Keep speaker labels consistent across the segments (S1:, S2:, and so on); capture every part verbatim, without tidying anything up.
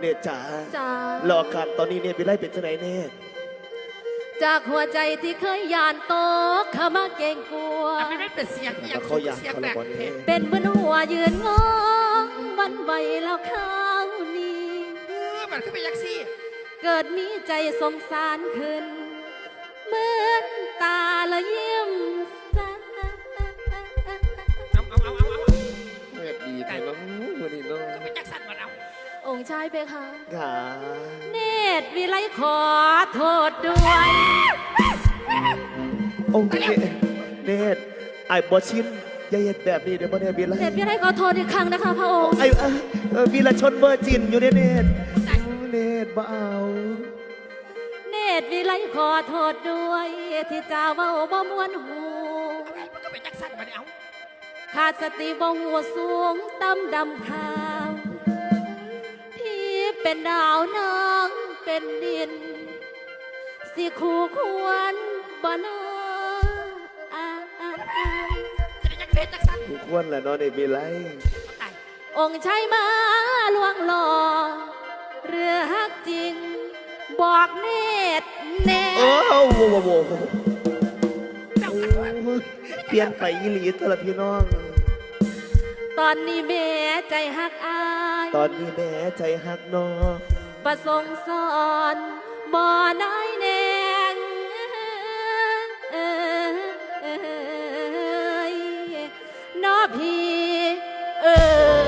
S1: เนตจ๋า
S2: จ้าร
S1: อการตอนนี้เนี่ยไปไล่เป็นจังไหนแน่
S2: จากหัวใจที่เคยยานโตกเข้ามาเก่งกลัว
S3: ไม่ได้เป็นเสียงอย่าง
S1: เขาอยาก
S3: เสียง
S1: เขา
S3: แบ
S1: ละ
S3: บ
S1: บอลเนี่ย
S2: เป็นเหมือนหัวยืนงองวันไหวแล้วข้าวนี้
S3: เออมันขึ้นไปยักซี่
S2: เกิดมีใจสงสารขึ้น เหมือนตาละยิ้มสา
S3: เอาเอาเอาเอาเอา
S1: เงียบดีแต่น้องวันนี้น้อง
S3: ไปจักสันมาเอา
S2: องค์ชายเพคะ
S1: ขา
S2: เนตรวิไลขอโทษด้วย
S1: องค์เนตเนตไอ้บอชินอย่าเห็ดแบบนี้เดี๋ยวบ่ได้บีไล่
S2: เนตรวิไลขอโทษอีกครั้งนะคะพระองค์
S1: ไอ้เอ้ยเออวีรชนเบอร์จินอยู่ในเนตเนตบ่เอา
S2: เนตรวิไลขอโทษด้วยที่จ้าเว่าบ่มวนหู
S3: มันก็ไปจักสันมาเอา
S2: ขาดสติบ่หัวสูงต่ำดำขาวพี่เป็นดาวน้องเป็นดิน สิคู่ควรบ่นออาอาอา
S3: จะได้จักเพชรจักสัน
S1: ทุกคนแหละเนอนในบีไล่
S3: ตาย
S2: องค์ชายมาลวงหล่อเรือฮักจริง บอกเนตรแน่
S1: โอ้โหโว้โห
S3: เจ้ากันว่า
S1: เปลี่ยนไปอีหลีตละพี่น้อง
S2: ตอนนี้แม่ใจฮักอาย
S1: ตอนนี้แม่ใจหักน้อง
S2: ประสงค์สอนบ่อนายแนงเอยนอพี่เออ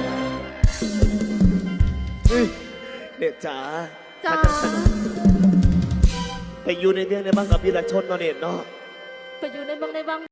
S1: เฮ้ยเด็กจ๋า
S2: จ้า
S1: ถ้าจังสันไปอยู่ในเรื่องในบ้านกับวีรชนเนาะเนตเนาะ
S2: ไปอยู่ในเมืองในวัง